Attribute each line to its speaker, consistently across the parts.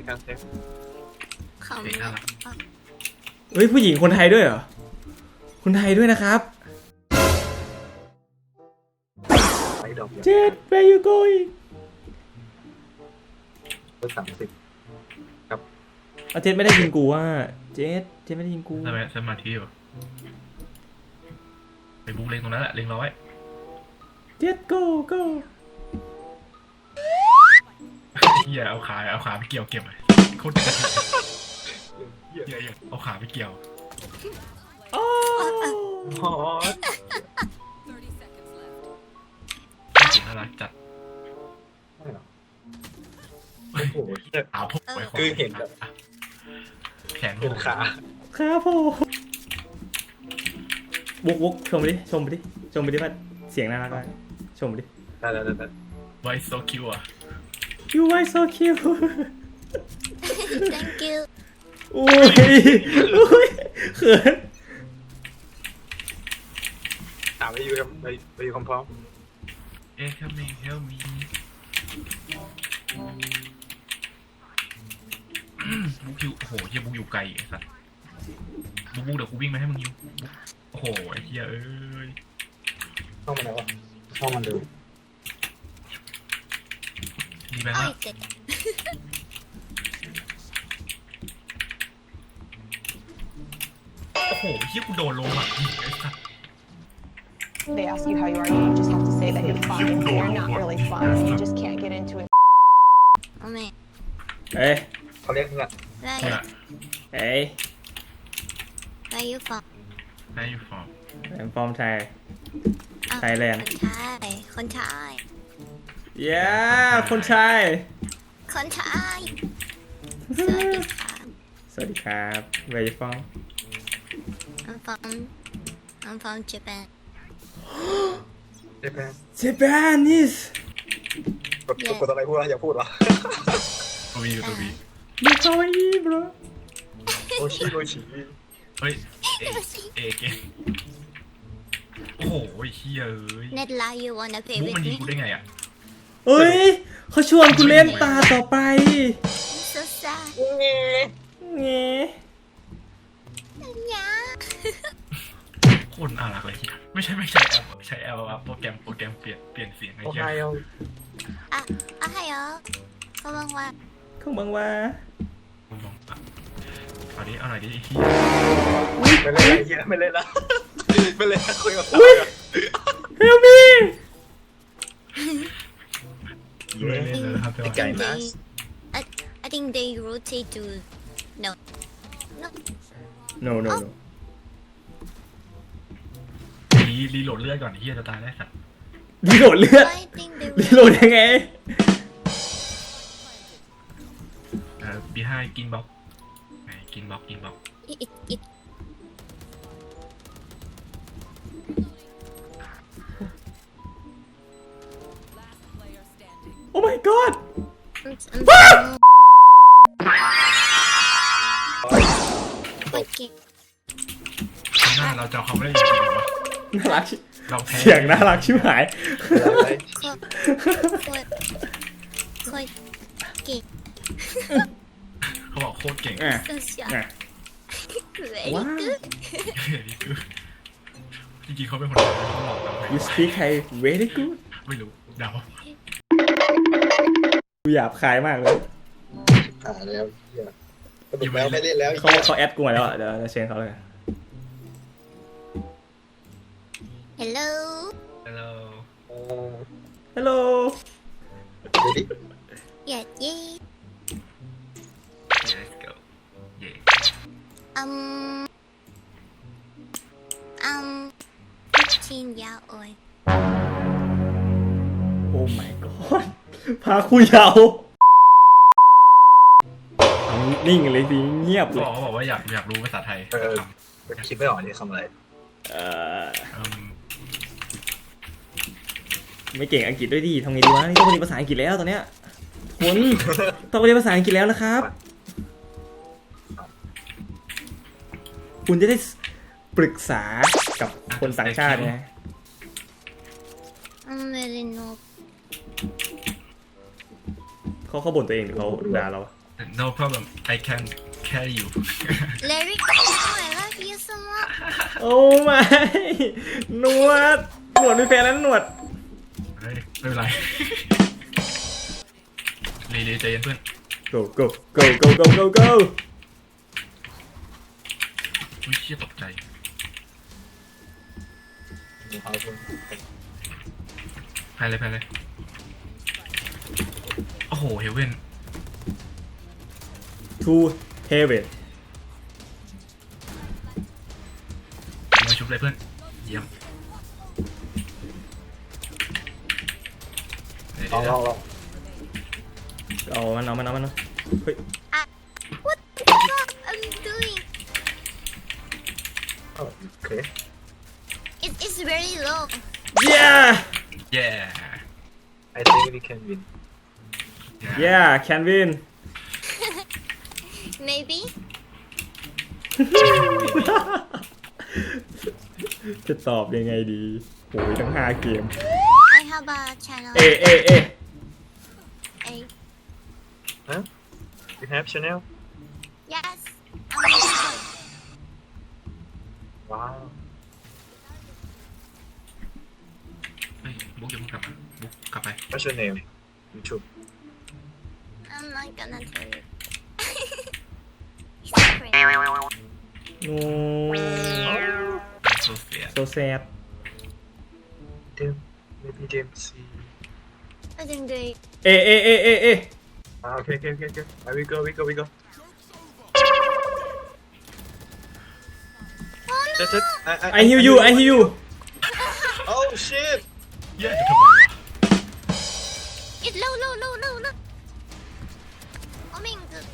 Speaker 1: การเซฟ
Speaker 2: เขา
Speaker 3: เด็กน่ารัก
Speaker 4: เฮ้ยผู้หญิงคนไทยด้วยเหรอคนไทยด้วยนะครับ
Speaker 1: ไปดอก
Speaker 4: เจ็ด where you going
Speaker 1: เบอร์30ครับ
Speaker 4: เอาเจ็ดไม่ได้ยินกูว่าเจ็ดไม่ได้ยินกู
Speaker 3: ทำไมสมาธิอยู่ไปบุกเล็งตรงนั้นแหละเล็งเราไว้
Speaker 4: เจ็ด go go
Speaker 3: เฮียเอาขาไปเกี่ยวเก็บเลยโคตรเฮียเอาขาไปเกี่ยว
Speaker 4: โอ้
Speaker 1: อ๋อ
Speaker 3: จริงน่ารักจัด
Speaker 1: ไม่หรอโอ้โหเหี้ย
Speaker 3: เอาพวกไว้
Speaker 1: คือเห็นแบบ
Speaker 3: แขน
Speaker 1: เป็นขา
Speaker 4: ครับผมบุกชมไปดิชมไปดิว่าเสียงน่ารักไหมชมไปดิ
Speaker 1: ได้
Speaker 3: ไว้โซคิวอ่ะ
Speaker 4: you are so cute
Speaker 2: thank you
Speaker 4: อุ้ยเขิน
Speaker 1: ถามไปอยู่กับไปอยู่พร้อม
Speaker 3: เอ๊ะคัมมิ่งเฮลมีบุกอยู่โอ้โหเฮียบุกอยู่ไกลไอ้สัสบุกเดี๋ยวกูวิ่งมาให้มึงยิวโอ้โหไอ้เฮียเอ้ย
Speaker 1: ห้องมันแล้วห้องมันดู
Speaker 3: ดีไหม
Speaker 2: อ้อ
Speaker 3: ฮะ
Speaker 2: ยเจ็ด
Speaker 3: โอ้โหเฮียกูโดนลงอ่ะไอ้สัส
Speaker 5: They ask you how you are, you just have to say that you're fine. You're not really fine. You just can't get into it.
Speaker 2: โอ้แม่
Speaker 4: เอ้ย
Speaker 1: เขาเรียกเงือก
Speaker 2: ได้
Speaker 3: เนี่ย
Speaker 4: เอ้ย
Speaker 2: ได้ยูฟอง
Speaker 3: นายอยู่ฟอร์ม
Speaker 4: I'm from Thai Thailand
Speaker 2: คนไทย
Speaker 4: yeah คนไทย
Speaker 2: คนไทยสวัสดีค่ะ
Speaker 4: สวัสดีครับ where you from
Speaker 2: I'm from Japan
Speaker 1: ใช่ไหม
Speaker 4: Japanese
Speaker 1: กดอะไรพูดแล้วอย่าพูดหรอ
Speaker 3: ตัววีตัววี
Speaker 4: มีคาวาอิbro
Speaker 1: โอชิ
Speaker 3: เฮ้ยเอเกโอ้โหเฮียเอ้ย
Speaker 2: Net lie you wanna play
Speaker 3: มุก
Speaker 2: with
Speaker 3: มันยิง
Speaker 2: me
Speaker 3: กูได้ไงอ่ะ
Speaker 4: เอ้ยเขาชวนกูเล่นตาต่อไป
Speaker 2: so sad
Speaker 4: เงี้
Speaker 2: เนี่ย
Speaker 3: โคตรน่ารักเลยไม่ใช่แอลโปรแกรมเปลี่ยนเสียงไอ้
Speaker 1: โอ
Speaker 3: เหี้
Speaker 1: ไฮ
Speaker 3: ย
Speaker 1: โอ
Speaker 2: อ่ะอ่ะให้เหรอเขาบอกว่า
Speaker 4: เขาบังว่า
Speaker 3: เอาดิเอาหน่อยดิไอ้เหี้ย
Speaker 1: ไม่เล่นอะไรเยอะไม่เล่นละไม่เล่นคุยกับเรา
Speaker 4: help me
Speaker 3: ไม่เล่นเลยครับ
Speaker 1: ไก่นะ
Speaker 2: I think they rotate to no
Speaker 4: no
Speaker 3: รีโหลดเลือดก่อนไอ้เหี้ยจะตายได้สัตว์
Speaker 4: รีโหลดเลือด
Speaker 2: I think they
Speaker 4: รีโหลดยังไง
Speaker 3: behind กินบล็อกกินบล็อก
Speaker 2: it
Speaker 4: oh my god
Speaker 2: โอเค
Speaker 3: หน้าเราจะเอาเขาไม่ได้ยังไงวะ
Speaker 4: น่ารักชิ
Speaker 3: เราแพ้
Speaker 4: เสียงน่ารักชิบหาย
Speaker 2: โคตรเก่ง
Speaker 3: เขาบอกโคตรเก่ง
Speaker 4: อ่ะ
Speaker 2: so sharp
Speaker 4: อ่ะ
Speaker 2: very
Speaker 4: ว้าว
Speaker 2: good
Speaker 3: จริงๆเขาเป็นคนเขาหลอกเรา
Speaker 4: you speak Thai very good
Speaker 3: ไม่รู้เดา
Speaker 4: กูหยาบคายมากเลย
Speaker 1: แล้วเหี้ยสนุกแล้วไม่เล่นแล้ว
Speaker 4: เขาแอดกูมาแล้วอ่ะเดี๋ยวเราเชิญเขาเลย
Speaker 2: hello
Speaker 3: ฮัลโหล
Speaker 4: hello
Speaker 1: ดูดิ
Speaker 2: yeah yeah
Speaker 3: let's go yeah
Speaker 2: 15 years old
Speaker 4: oh my god พาคุยยาวนิ่งเลยสิเงียบเลย
Speaker 3: เขาบอกว่าอยากรู้ภาษาไทย
Speaker 1: คิดไม่ออกนี่คำอะไร
Speaker 4: ไม่เก่งอังกฤษด้วยดิทำไงดีวะนี่ต้องเรียนภาษาอังกฤษแล้วตอนเนี้ยคุณต้องเรียนภาษาอังกฤษแล้วนะครับ คุณจะได้ปรึกษากับคนต่างชาติไง
Speaker 2: I'm really no
Speaker 4: เขาบ่นตัวเองหรือเขาด่าเรา
Speaker 3: no problem I can carry you
Speaker 2: Larry, I love you so much.
Speaker 4: โอ้ไม่หนวดมีแฟนแล้วหนวด
Speaker 3: เฮ้ยไม่เป็นไรรีใจเย็นเพื่อน
Speaker 4: go go go go go go go
Speaker 3: อุ้ยเชี่ยตกใจ
Speaker 1: มีเขาคุณ
Speaker 3: แพ้เลยโอ้โหเฮเว่น
Speaker 4: to heaven
Speaker 3: มาชุบเลยเพื่อนเยี่ยม
Speaker 1: ลอง
Speaker 4: เอามันเฮ้ย
Speaker 2: What the fuck I'm doing?
Speaker 1: โอเค
Speaker 2: It's very low.
Speaker 4: yeah
Speaker 3: yeah
Speaker 1: I think we can win
Speaker 4: yeah can win
Speaker 2: Maybe.
Speaker 4: จะตอบยังไงดีโอ้ยทั้ง5เกม
Speaker 2: I have a channel.
Speaker 4: เอ
Speaker 2: A.
Speaker 1: huh you have channel
Speaker 2: Yes. I'm a YouTuber.
Speaker 1: wow
Speaker 3: เฮ้ยบุ๊กอย่าเพิ่งกลับมาบุ๊กกลับไป
Speaker 1: what's your name YouTube
Speaker 2: I'm not gonna tell you. Secret.
Speaker 4: no
Speaker 3: so sad
Speaker 4: so sad
Speaker 1: Dim maybe Dim C
Speaker 2: I didn't do it.
Speaker 4: เอ
Speaker 1: okay we go
Speaker 2: Oh no!
Speaker 1: That's it
Speaker 4: I hear you
Speaker 1: oh shit
Speaker 3: เย้ทำไมวะ
Speaker 2: It's low. Oh my god.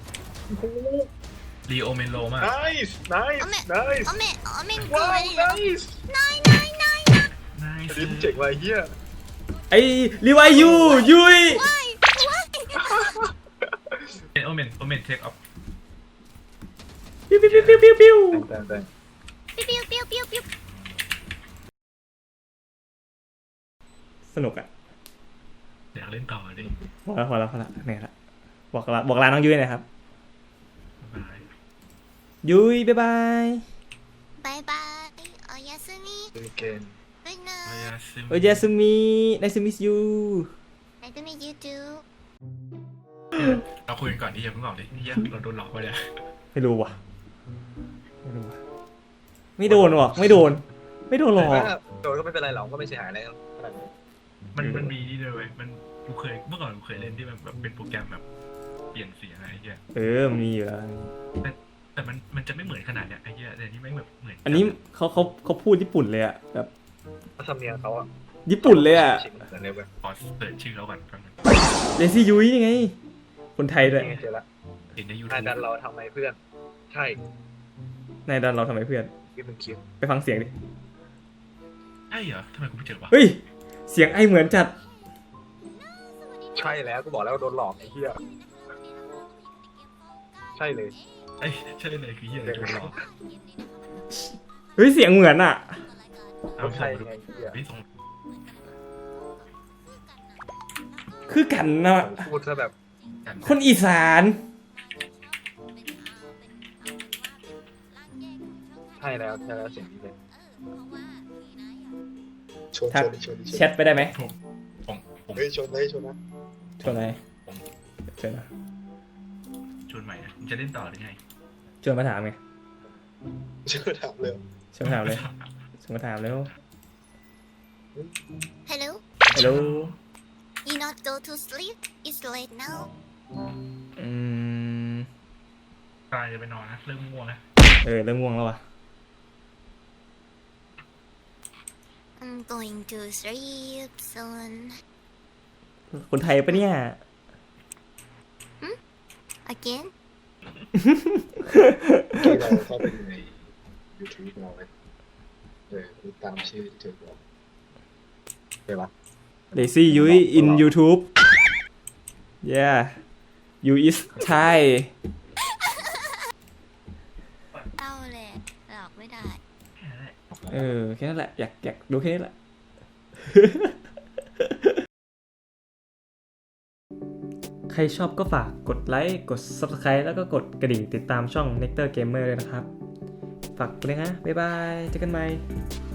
Speaker 3: รีโอเมนโลมาก
Speaker 1: nice
Speaker 2: Oh my god.
Speaker 1: wow
Speaker 2: Very low.
Speaker 1: nice
Speaker 2: Nine.
Speaker 3: นาย
Speaker 1: อันนี้มึงเจ๋งว่ะเฮีย
Speaker 4: ไอ้รีไวยูยุย
Speaker 2: Why?
Speaker 3: โอเมนเทคออฟ
Speaker 4: ปิ้ว
Speaker 1: แต่
Speaker 2: Pew.
Speaker 4: สนุกอ่ะ
Speaker 3: อยากเล่นต่อดิ
Speaker 4: พอแล้วเนี่ยละบอกลาน้องยุ้ยหน่อยครับ
Speaker 3: บาย
Speaker 4: ยุ้ยบ๊ายบาย
Speaker 2: Bye bye. Oyasumi.
Speaker 1: weekend
Speaker 2: Good
Speaker 3: โอยา
Speaker 2: night.
Speaker 3: ซึ
Speaker 4: โอ้ยเยสุมิ nice to meet you
Speaker 2: Nice to meet you too.
Speaker 3: เราคุยกันก่อนดิอย่าเพิ่งออกดิเฮียเราโดนหลอกไปเลย
Speaker 4: ไม่รู้ว่ะไม่โดนหรอกไม่โดนหรอก
Speaker 1: โดนก็ไม่เป็นไรหรอกก็ไม่เสียหายอะไร
Speaker 3: มันมีนี่เลยเว้ยมันกูเคยเมื่อก่อนกูเคยเล่นที่มันแบบเป็นโปรแกรมแบบเปลี่ยนเสียงอะไรเงี้ย
Speaker 4: มันมีอยู่แล้ว
Speaker 3: แต่มันจะไม่เหมือนขนาดเนี้ยไอ้เหี้ยแต่นี่ไม่แบบเหมือน
Speaker 4: อันนี้เขาพูดญี่ปุ่นเลยอ่ะแบบ
Speaker 1: เขาทำเนียงเขาอะ
Speaker 4: ญี่ปุ่นเลยอ่ะ
Speaker 1: ชิงเหมือนเลยเว้ย
Speaker 3: ขอเปิดชื่อแล้วก่อนแป๊บนึง
Speaker 4: เลซี่ยุ้ยนี่ไง คนไทยด้วย
Speaker 1: นี่ไงเจอละ
Speaker 3: เห็นในยู
Speaker 1: อา
Speaker 3: ทูบ
Speaker 1: จารย์เราทำไมเพื่อนใช่
Speaker 4: นายดันเราทำไมเพื่อน
Speaker 1: ที่มึงคิด
Speaker 4: ไปฟังเสียงดิ
Speaker 3: ใช่เหรอทำไมกูไม่เจอวะ
Speaker 4: เฮ้ยเสียงไอเหมือนจัด
Speaker 1: ใช่แล้วกูบอกแล้วโดนหลอกไอ้เหี้ยใช่เลย
Speaker 3: ไอ้ใช่เลยคือเหี้ยอะไรโดนหลอก
Speaker 4: เฮ้ยเสียงเหมือนอ่ะ
Speaker 3: เอา
Speaker 1: ใช่
Speaker 3: ส่งมาดู
Speaker 1: ไงเหี้ย
Speaker 3: เฮ้ยส่ง
Speaker 4: คือกันนะ
Speaker 1: พูดซะแบบ
Speaker 3: กัน
Speaker 4: คนอีสาน
Speaker 1: ใช่แล้วเสียงนี้เลยชน
Speaker 4: ทัก
Speaker 1: ชน
Speaker 4: แชทไปได้ไหม
Speaker 3: ผม
Speaker 1: เฮ้ยชนเลยชนนะ
Speaker 4: ชวนอะไรชวนนะ
Speaker 3: ชวนใหม่นะมึงจะเล่นต่อหรือไง
Speaker 4: ชวนมาถามไง
Speaker 1: ชนถามเลย
Speaker 4: ชวนมาถามเลยชวนมาถามแล้ว
Speaker 2: Hello.
Speaker 4: ฮัลโหล
Speaker 2: You not go to sleep? It's late now.
Speaker 3: ตายจะไปนอนนะเริ่มง่วงแล้ว
Speaker 4: เริ่มง่วงแล้วว่ะ
Speaker 2: I'm going to sleep soon.
Speaker 4: คนไทยปะเนี่ย
Speaker 2: Again?
Speaker 1: ที่เราเข้าไปดูใน YouTube เราเลยตามชื่อที่เธอบอกเดี๋ยววะ
Speaker 4: เลซี่ยุ้ย in YouTube yeah you is Thai
Speaker 2: เอาแหละหลอกไม่ได้
Speaker 4: แค่นั้นแหละ อยากดูแค่นี้แหละ คใครชอบก็ฝากกดไลค์กด Subscribe แล้วก็กดกระดิ่งติดตามช่อง Nectar Gamer เลยนะครับ ฝากไปเลยนะบ๊ายบายเจอกันใหม่